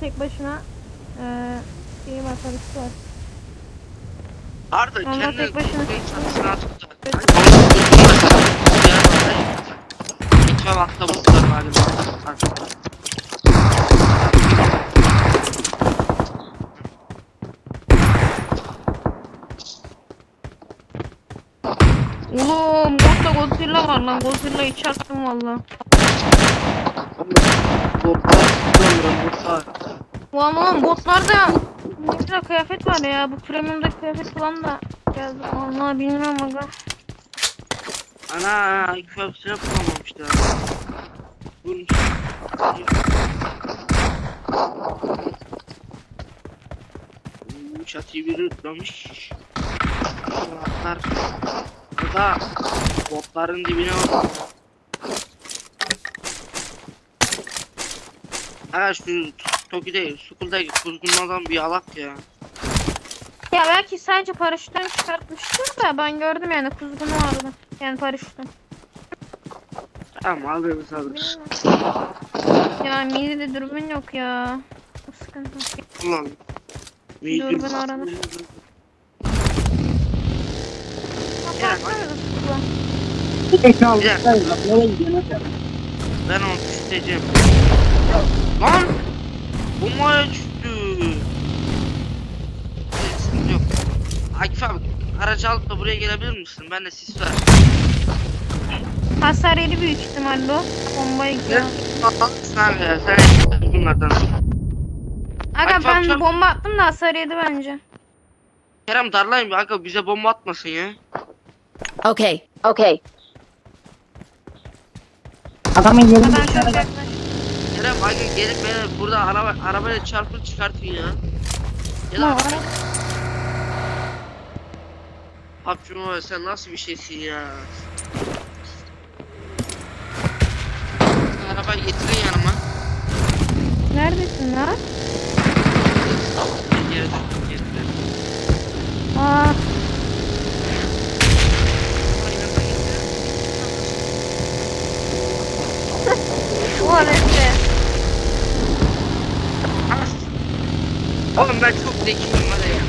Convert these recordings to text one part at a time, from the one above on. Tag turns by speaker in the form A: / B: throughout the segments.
A: tek başına şeyi var, karısı var.
B: Arda
A: Onlar
B: kendini
A: tek başına.
B: çatısına atıp da. Geçme vaktamız var galiba.
A: Oğlum botta Godzilla var lan. Godzilla'yı çarptım valla. Valla botlarda ne güzel kıyafet var ya. Bu premium'daki kıyafet falan da geldi. Valla bilmiyorum aga.
B: Ana ilk hepsine bulamamışlar. Bunun çatıyı biri tutmamış. Botlar da botların dibine bak. Ha şu Toki'de, Skull'daki kuzgunlardan bir alak ya.
A: Ya belki sadece paraşütten çıkartmıştır da ben gördüm yani kuzgunu vardı. Yani paraşütten.
B: Tamam alırız alırız.
A: Ya midede dürbün yok ya. Bu sıkıntı.
B: Ulan.
A: Dürbün aranır.
B: Ben onu düşüreceğim. Lan! Bombaya düştü. Yok. Akif abi aracı alıp da buraya gelebilir misin? Ben de sis var.
A: Hasar yedi büyük ihtimalle o. Bombayı gidiyor.
B: Almışsın abi ya. Sen bunlardan.
A: Aga
B: Akif
A: ben
B: abi,
A: bomba attım da hasar yedi bence.
B: Kerem darlayın bir aga bize bomba atmasın ya.
C: Okay. Okay.
D: Adamın yerini
A: Ben çok
D: dışarıda.
A: yaklaştım.
B: Kerem aga gelip beni burada arabayla çarpıp çıkartın ya. Ya
A: Ne
B: da
A: var?
B: Abcum sen nasıl bir şeysin ya? Arabayı getirin yanıma.
A: Neredesin lan?
B: Geri getirin.
A: Aa, o neyse.
B: Oğlum ben çok zekiyim var ya.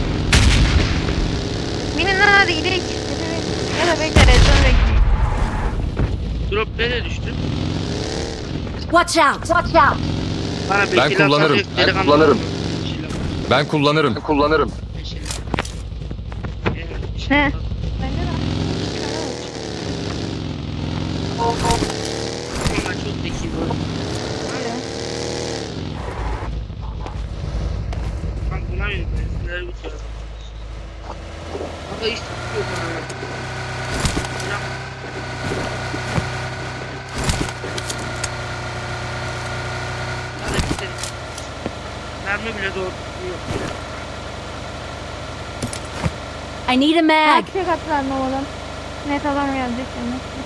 A: Binin lan hadi gidelim. Ya da bekle rezon bekle.
B: Drop nereye düştü?
C: Watch out. Watch out.
B: Bana bir
E: Ben
B: silah
E: kullanırım,
B: satacak
E: ben
B: delikanlı
E: kullanırım.
B: var mı? Silah.
E: Ben kullanırım. Kullanırım.
A: He. Bende de.
B: Ben çok zekiyim. Ben buna yürüyorum. Sinirleri bitiyor. Ama hiç tutuyor bana. Ya. Hadi gidelim. Mermi bile doğru tutuyor.
C: I need a mag.
A: Erkek atlar ne oğlum? Net adam gelecek demek ki.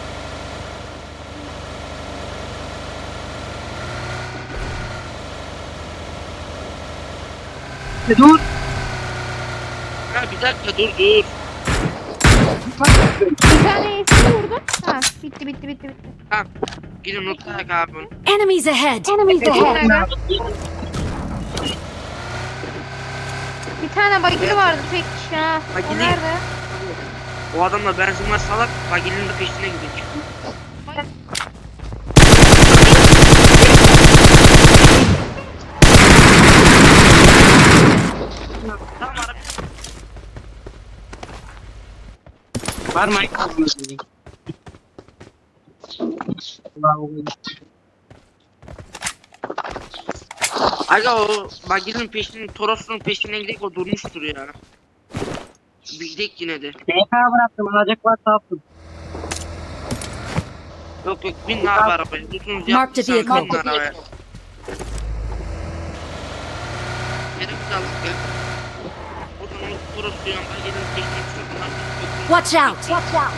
D: Dur.
B: Ha bir dakika dur.
A: Bir tane iyisini vurdum. Ha bitti.
B: Ha. Gidin unutarak abi.
C: Enemies ahead. Enemies ahead.
A: Bir tane bagili vardı tek kişi ha. O
B: Bagili?
A: nerede?
B: O adamla benzin var salak. Bagilinin de peşine gidiyor. Tamam abi.
D: Var mı?
B: Aga o bagilinin peşinin Toros'un peşine gidelim o durmuştur ya. Bir gidelim yine de.
D: DK bıraktım. Alacak varsa yaptım.
B: Yok bin abi arabaya. Tutunuz
C: Mark the
B: yapmışsan bin
C: vehicle.
B: arabaya. Nereye güzellik ya. Oradan o Toros'u yan bagilinin peşine çıkıyor.
C: Watch out. Watch out.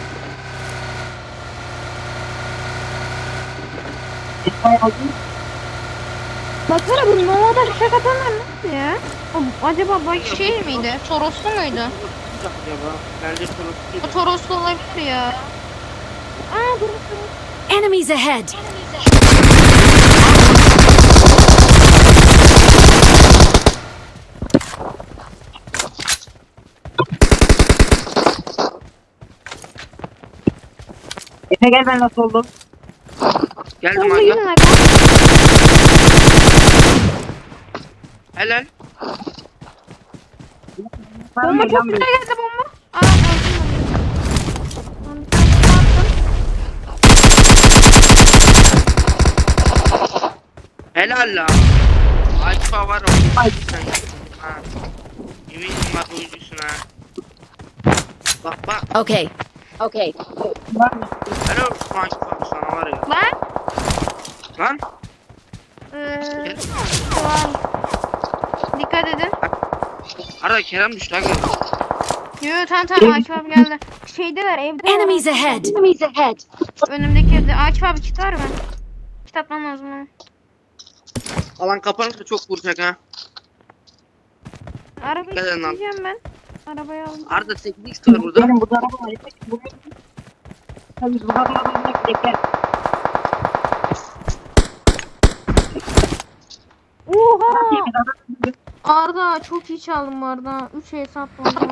D: DK aldım.
A: Baksana bu Nova'da şaka atanlar nasıl ya? Acaba bak şey miydi? Toroslu muydu?
B: Acaba bence Toros'u.
A: O Toroslu olabilir ya. Aa dur.
C: Enemies ahead.
D: Efe gel ben nasıl oldum?
B: Geldim
A: Bomba
B: aga.
A: gidin aga.
B: Helal.
A: Bomba çok güzel geldi bomba. Aa öldüm ben. Lan bir tane bomba attım.
B: Helal la. Alfa var o.
D: Ay.
B: Ha. Eminim bak oyuncusun ha. Bak bak.
C: Okay. Okay.
B: Helal Alfa sana var ya.
A: Lan.
B: Lan.
A: Şu an. Dikkat edin.
B: Arada Kerem düştü aga.
A: Yo tamam Akif abi geldi. Şeydeler evde.
C: Enemies ahead. Enemies ahead.
A: Önümdeki evde. Akif abi kit var mı? Kit atmam lazım bana.
B: Alan kapanırsa çok vuracak ha.
A: Arabayı
B: Dikkat edin lan.
A: isteyeceğim ben. Arabayı aldım.
B: Arda 8x var burada.
D: Benim burada araba var. Efe buraya. Tabii burada araba gel.
A: Oha! Arda çok iyi çaldım bu arada. 3 hesap oldu.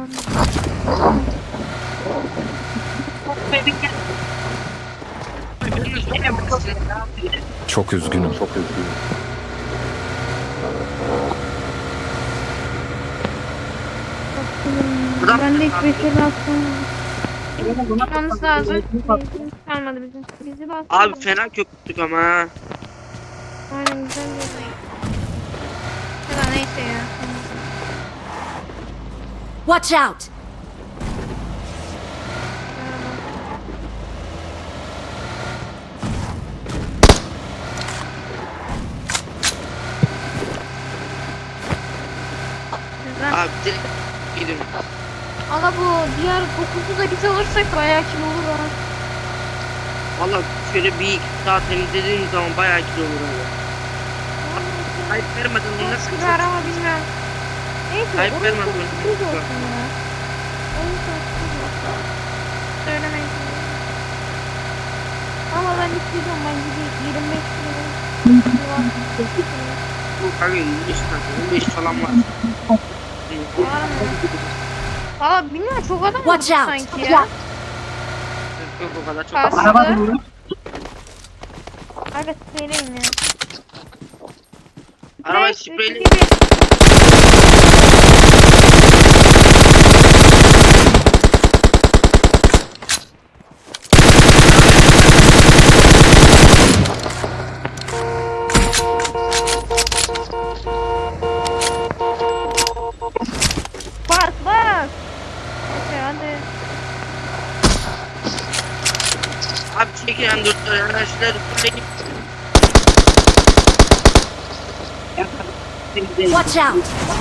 E: Çok üzgünüm. Çok üzgünüm.
B: Buradan
A: Ben de hiç beşeri attım. Çıkmamız lazım. Kalmadı bizim. Bizi bastı.
B: Abi fena köpüktük ama ha.
A: Aynen güzel bir. Ya da neyse ya.
C: Watch out.
A: Güzel.
B: Abi direkt gidin.
A: Ama bu diğer 9'u da biz alırsak bayağı kilo olur ha.
B: Valla şöyle bir iki saat temizlediğim zaman bayağı kilo olur abi. Hayır vermeden onu nasıl
A: Çok güzel ama bilmiyorum. Neyse.
B: Hayır,
A: onun
B: vermem
A: çok
B: böyle.
A: sürpriz olsun ya. Onun çok sürpriz olsun. Söylemeyin. Ama ben istiyorum ben gideyim 25 kilo.
B: Kanka 25 tane 15 falan var.
A: Var mı? Valla bilmiyorum çok adam
C: Watch
A: oldu
C: out.
A: sanki ya.
B: Yok o kadar çok.
A: Karşıda.
D: Araba durmuş.
A: Aga seyreyin ya.
B: Araba
A: Beş,
B: spreyle.
A: üç, iki, bir. Bas bas. Neyse hadi.
B: Abi çekin M4'leri arkadaşlar. Fırlayın.
C: Watch out.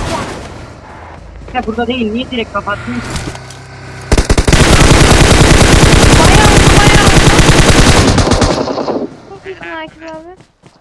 D: Efe burada değil. Niye direkt kapattın?
A: Bayağı oldu bayağı oldu. Çok iyisin Akif abi.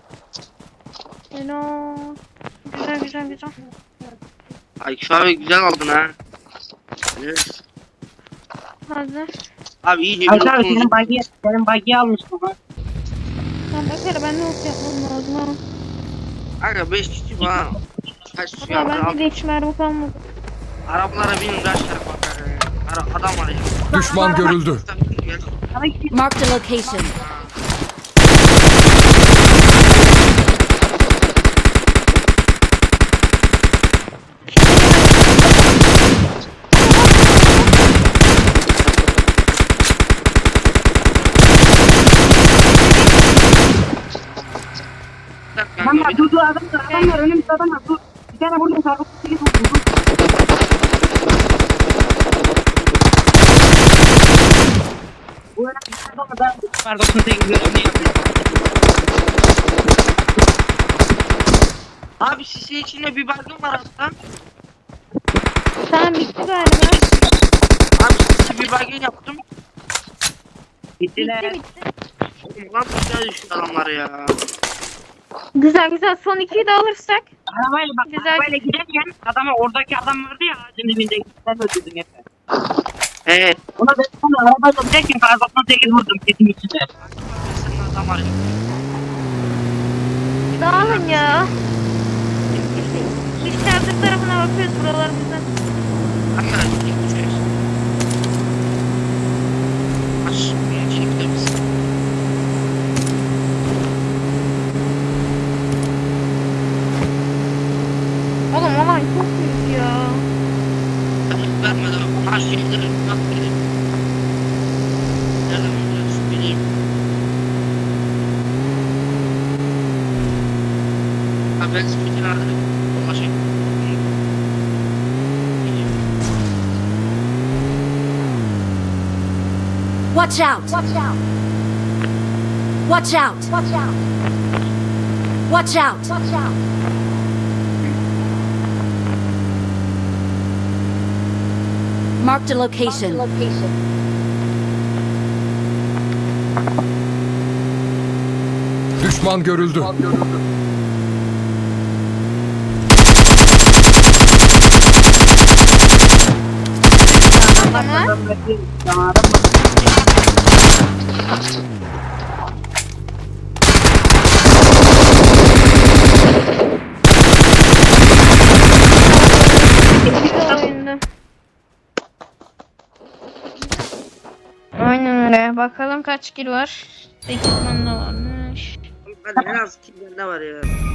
A: Hello. Güzel güzel güzel.
B: Ay şu abi güzel aldın ha. Evet.
A: Hazır.
B: Abi iyice
D: Abi
B: bir
D: abi
B: oturun.
D: senin bagiye almıştım ha.
A: Tamam bakar ben ne olsa yapmam lazım ha.
B: Kanka 5 kişi falan. Kaç kişi
A: Valla
B: var?
A: bende de hiç mermi kalmadı.
B: Arabalara binin kaç tane bakar ya. Adam var ya.
E: Düşman görüldü.
D: Sana gideyim.
C: Marked a location.
D: Adam var dur adam var önümüzde adam var dur. Bir tane vurdum sarkıp bir vurdum. Bu öyle bir şey ama ben var 98
B: Abi sisi içinde bir baygın var hatta.
A: Tamam bitti galiba.
B: Abi sisi bir baygın yaptım.
D: Gittiler.
A: Bitti.
B: Oğlum lan aşağı düştü adamlar ya.
A: Güzel güzel son 2'yi de alırsak.
D: Arabayla bak
A: Güzel.
D: arabayla giderken adama oradaki adam vardı ya ağacın dibinde sen öldürdün Efe.
B: Evet.
D: Ona ben sana arabayla giderken kar 98 vurdum kesin içinde.
B: Senin adam var ya.
A: Dağılın ya. Biz çadır tarafına bakıyoruz buralar güzel.
B: Arkadaşlar çekeceğiz. Aç beni çekti misin? Ben spiker aldım. Başka.
C: Watch out! Watch out! Watch out! Watch out! Watch out! Watch out! Marked a location.
E: Düşman görüldü.
A: Tamam.
D: Adam bakıyor. Tamam adam bakıyor.
A: Oyunda. Aynen öyle. Bakalım kaç kill var. 8 tane varmış.
B: Hadi en az 2 tane var ya.